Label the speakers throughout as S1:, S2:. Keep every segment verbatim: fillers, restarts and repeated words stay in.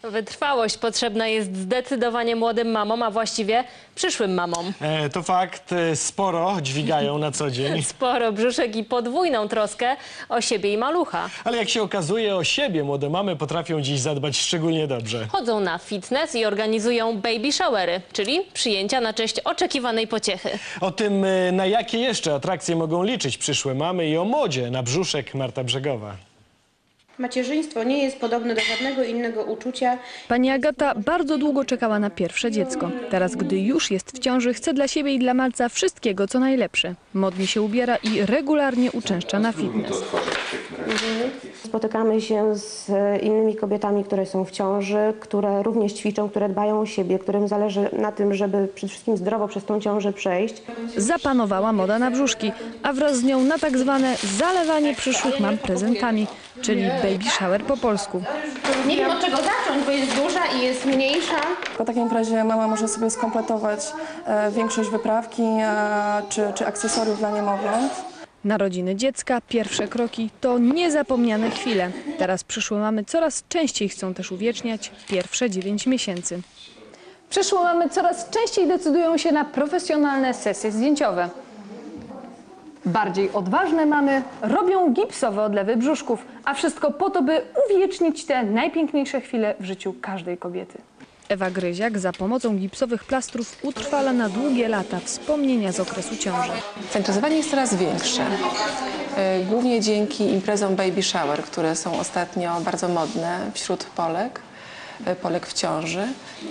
S1: Wytrwałość potrzebna jest zdecydowanie młodym mamom, a właściwie przyszłym mamom.
S2: E, to fakt, e, sporo dźwigają na co dzień.
S1: Sporo brzuszek i podwójną troskę o siebie i malucha.
S2: Ale jak się okazuje, o siebie młode mamy potrafią dziś zadbać szczególnie dobrze.
S1: Chodzą na fitness i organizują baby showery, czyli przyjęcia na cześć oczekiwanej pociechy.
S2: O tym, e, na jakie jeszcze atrakcje mogą liczyć przyszłe mamy i o modzie na brzuszek Marta Brzegowa.
S3: Macierzyństwo nie jest podobne do żadnego innego uczucia.
S4: Pani Agata bardzo długo czekała na pierwsze dziecko. Teraz, gdy już jest w ciąży, chce dla siebie i dla malca wszystkiego, co najlepsze. Modnie się ubiera i regularnie uczęszcza na fitness.
S3: Spotykamy się z innymi kobietami, które są w ciąży, które również ćwiczą, które dbają o siebie, którym zależy na tym, żeby przede wszystkim zdrowo przez tą ciążę przejść.
S4: Zapanowała moda na brzuszki, a wraz z nią na tak zwane zalewanie przyszłych mam prezentami, czyli baby shower po polsku.
S3: Nie wiem, od czego zacząć, bo jest duża i jest mniejsza.
S5: W takim razie mama może sobie skompletować e, większość wyprawki e, czy, czy akcesoriów dla niemowląt.
S4: Narodziny dziecka, pierwsze kroki to niezapomniane chwile. Teraz przyszłe mamy coraz częściej chcą też uwieczniać pierwsze dziewięć miesięcy.
S6: Przyszłe mamy coraz częściej decydują się na profesjonalne sesje zdjęciowe. Bardziej odważne mamy robią gipsowe odlewy brzuszków, a wszystko po to, by uwiecznić te najpiękniejsze chwile w życiu każdej kobiety.
S4: Ewa Gryziak za pomocą gipsowych plastrów utrwala na długie lata wspomnienia z okresu ciąży.
S7: Zainteresowanie jest coraz większe, y, głównie dzięki imprezom baby shower, które są ostatnio bardzo modne wśród Polek, y, Polek w ciąży.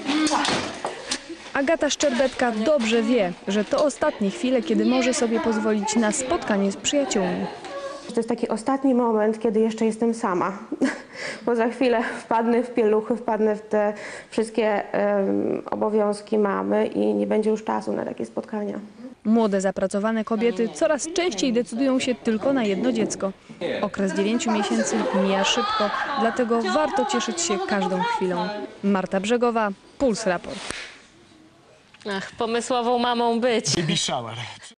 S4: Agata Szczerbetka dobrze wie, że to ostatnie chwile, kiedy może sobie pozwolić na spotkanie z przyjaciółmi.
S3: To jest taki ostatni moment, kiedy jeszcze jestem sama, bo za chwilę wpadnę w pieluchy, wpadnę w te wszystkie um, obowiązki mamy i nie będzie już czasu na takie spotkania.
S4: Młode, zapracowane kobiety coraz częściej decydują się tylko na jedno dziecko. Okres dziewięciu miesięcy mija szybko, dlatego warto cieszyć się każdą chwilą. Marta Brzegowa, Puls Raport.
S1: Ach, pomysłową mamą być.
S2: Baby shower.